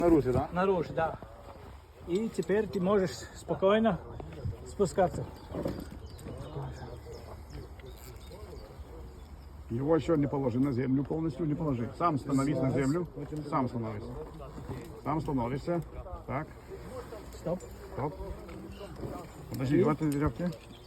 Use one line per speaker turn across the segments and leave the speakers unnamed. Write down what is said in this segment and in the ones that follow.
Наружу, да?
Наружу, да. И теперь ты можешь спокойно спускаться.
Его еще не положи на землю, полностью не положи. Сам становись на землю, сам становись. Сам становишься. Так,
Стоп.
стоп. Подожди, вот веревки.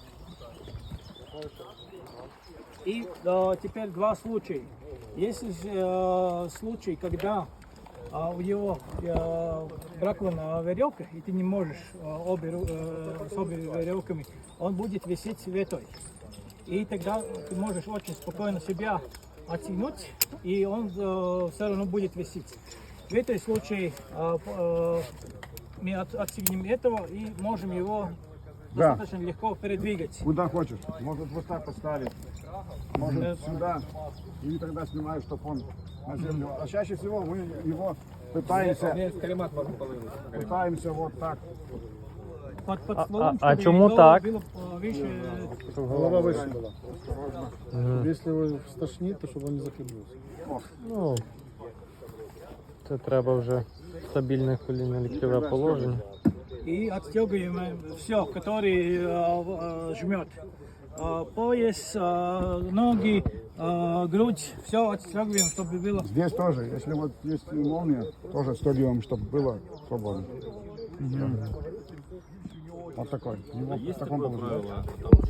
И теперь два случая. Если случай, когда у него бракована веревка, и ты не можешь с обе веревками, он будет висеть светой. И тогда ты можешь очень спокойно себя оттянуть, и он все равно будет висеть. В этом случае мы отстегнем этого и можем его достаточно легко передвигать.
Куда хочешь. Может вот так поставить. Может сюда. И тогда снимаешь, чтобы он на землю. А чаще всего мы его пытаемся вот так.
Под стволом,
а
чтобы
чому
его
так?
было выше.
Голова выше была. Если его стошнит, то чтобы он не захлебнулся.
Ну, це треба вже стабільне колінне ліктьове положення.
И отстегиваем все, который жмет. Пояс, ноги, грудь, все отстегиваем, чтобы было.
Здесь тоже, если вот есть молния, тоже отстегиваем, чтобы было свободно. Вот такой. Его в таком положении.